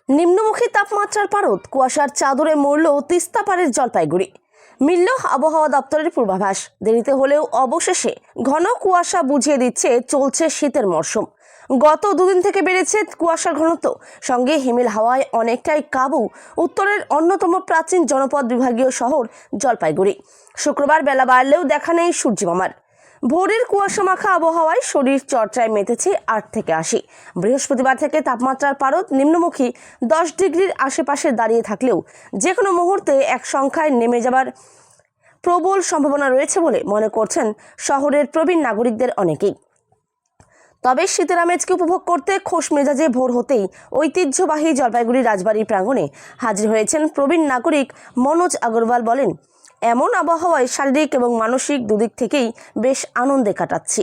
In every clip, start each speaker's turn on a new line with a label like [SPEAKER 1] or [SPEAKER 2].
[SPEAKER 1] নিম্নমুখী তাপমাত্রার পারদ, কুয়াশার চাদরে মরল তিস্তা পাড়ের জলপাইগুড়ি। মিলল আবহাওয়া দপ্তরের পূর্বাভাস। দেরিতে হলেও অবশেষে ঘন কুয়াশা বুঝিয়ে দিচ্ছে চলছে শীতের মরশুম। গত দুদিন থেকে বেড়েছে কুয়াশার ঘনত্ব, সঙ্গে হিমেল হাওয়ায় অনেকটাই কাবু উত্তরের অন্যতম প্রাচীন জনপদ বিভাগীয় শহর জলপাইগুড়ি। শুক্রবার বেলা বাড়লেও দেখা নেই সূর্যমামার। ভোরের কুয়াশা মাখা আবহাওয়ায় শরীর চর্চায় মেতেছে 8 থেকে 80। বৃহস্পতিবার থেকে তাপমাত্রার পারদ নিম্নমুখী 10 ডিগ্রির আশেপাশে দাঁড়িয়ে থাকলেও যে কোনো মুহূর্তে এক সংখ্যায় নেমে যাবার প্রবল সম্ভাবনা রয়েছে বলে মনে করছেন শহরের প্রবীণ নাগরিকদের অনেকেই। তবে শীতের আমেজকে উপভোগ করতে খোশ মেজাজে ভোর হতেই ঐতিহ্যবাহী জলপাইগুড়ি রাজবাড়ির প্রাঙ্গণে হাজির হয়েছেন প্রবীণ নাগরিক মনোজ আগরওয়াল। বলেন, এমন আবহাওয়ায় শারীরিক এবং মানসিক দুদিক থেকেই বেশ আনন্দে কাটাচ্ছি।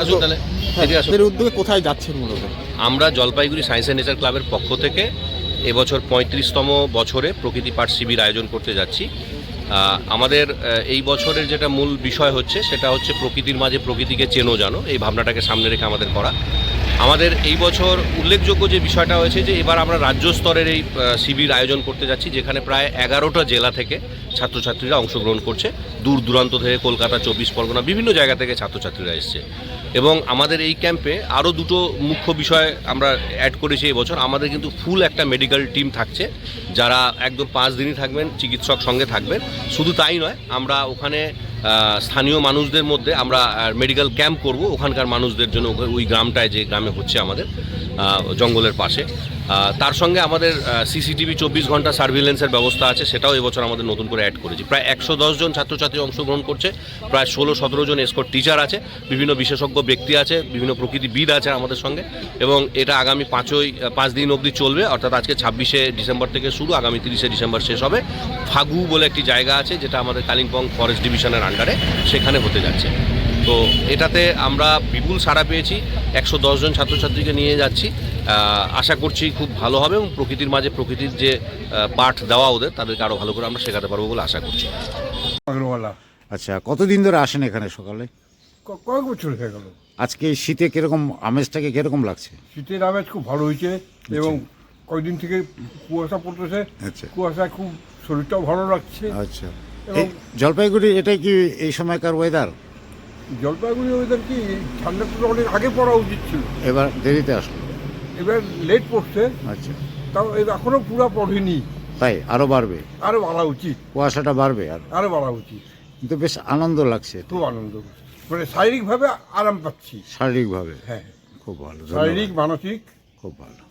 [SPEAKER 2] উদ্যোগে কোথায় যাচ্ছেন মূলত?
[SPEAKER 3] আমরা জলপাইগুড়ি সায়েন্স অ্যান্ড নেচার ক্লাবের পক্ষ থেকে এবছর 35তম বছরে প্রকৃতি পাঠ শিবির আয়োজন করতে যাচ্ছি। আমাদের এই বছরের যেটা মূল বিষয় হচ্ছে সেটা হচ্ছে প্রকৃতির মাঝে প্রকৃতিকে চেনো জানো, এই ভাবনাটাকে সামনে রেখে আমাদের করা। আমাদের এই বছর উল্লেখযোগ্য যে বিষয়টা হয়েছে যে এবার আমরা রাজ্য স্তরের এই শিবির আয়োজন করতে যাচ্ছি, যেখানে প্রায় 11টা জেলা থেকে ছাত্রছাত্রীরা অংশগ্রহণ করছে। দূর দূরান্ত থেকে, কলকাতা, 24 পরগনা, বিভিন্ন জায়গা থেকে ছাত্রছাত্রীরা এসছে। এবং আমাদের এই ক্যাম্পে আরও দুটো মুখ্য বিষয় আমরা অ্যাড করেছি এবছর। আমাদের কিন্তু ফুল একটা মেডিকেল টিম থাকছে, যারা একদম 5 দিনই থাকবেন, চিকিৎসক সঙ্গে থাকবেন। শুধু তাই নয়, আমরা ওখানে স্থানীয় মানুষদের মধ্যে আমরা মেডিকেল ক্যাম্প করব ওখানকার মানুষদের জন্য, ওই গ্রামটায় যে গ্রামে হচ্ছে আমাদের জঙ্গলের পাশে। তার সঙ্গে আমাদের সিসিটিভি 24 ঘন্টা সার্ভিলেন্সের ব্যবস্থা আছে, সেটাও এবছর আমাদের নতুন করে অ্যাড করেছি। প্রায় 110 জন ছাত্রছাত্রী অংশগ্রহণ করছে, প্রায় 16-17 জন এসকর্ট টিচার আছে, বিভিন্ন বিশেষজ্ঞ ব্যক্তি আছে, বিভিন্ন প্রকৃতিবিদ আছে আমাদের সঙ্গে। এবং এটা আগামী 5 দিন অবধি চলবে, অর্থাৎ আজকে 26শে ডিসেম্বর থেকে শুরু, আগামী 30শে ডিসেম্বর শেষ হবে। ফাগু বলে একটি জায়গা আছে যেটা আমাদের কালিম্পং ফরেস্ট ডিভিশনের আন্ডারে, সেখানে হতে যাচ্ছে। তো এটাতে আমরা বিপুল সাড়া পেয়েছি, 110 জন ছাত্রছাত্রীকে নিয়ে যাচ্ছি। আশা করছি খুব ভালো হবে এবং প্রকৃতির মাঝে প্রকৃতির যে পাঠ দেওয়া ওদের, তাদেরকে আরও ভালো করে আমরা শেখাতে পারবো বলে আশা করছি।
[SPEAKER 2] আচ্ছা, কতদিন ধরে আসেন এখানে সকালে?
[SPEAKER 4] কয়েক বছর হয়ে গেল।
[SPEAKER 2] আজকে শীতে কিরকম আমেজটাকে কিরকম লাগছে?
[SPEAKER 4] শীতের আমেজ খুব ভালো হয়েছে এবং কয়েকদিন থেকে কুয়াশা পড়তেছে।
[SPEAKER 2] আচ্ছা,
[SPEAKER 4] কুয়াশায় খুব শরীরটাও ভালো লাগছে।
[SPEAKER 2] আচ্ছা।
[SPEAKER 4] এবং
[SPEAKER 2] জলপাইগুড়ি এটাই কি এই সময়কার ওয়েদার?
[SPEAKER 4] জলপাইগুড়ি ওয়েদার কি ঠান্ডাটা তো অনেক আগে পড়া উচিত ছিল,
[SPEAKER 2] এবার দেরিতে আসলো।
[SPEAKER 4] এবার লেট পড়ছে।
[SPEAKER 2] আচ্ছা,
[SPEAKER 4] তাও এখনো পুরো পড়েনি,
[SPEAKER 2] তাই আরো বাড়বে,
[SPEAKER 4] আরো বাড়া উচিত,
[SPEAKER 2] কুয়াশাটা বাড়বে
[SPEAKER 4] আরো বাড়া উচিত।
[SPEAKER 2] কিন্তু বেশ আনন্দ লাগছে,
[SPEAKER 4] খুব আনন্দ, মানে শারীরিকভাবে আরাম পাচ্ছি।
[SPEAKER 2] শারীরিকভাবে
[SPEAKER 4] হ্যাঁ,
[SPEAKER 2] খুব ভালো,
[SPEAKER 4] শারীরিক মানসিক
[SPEAKER 2] খুব ভালো।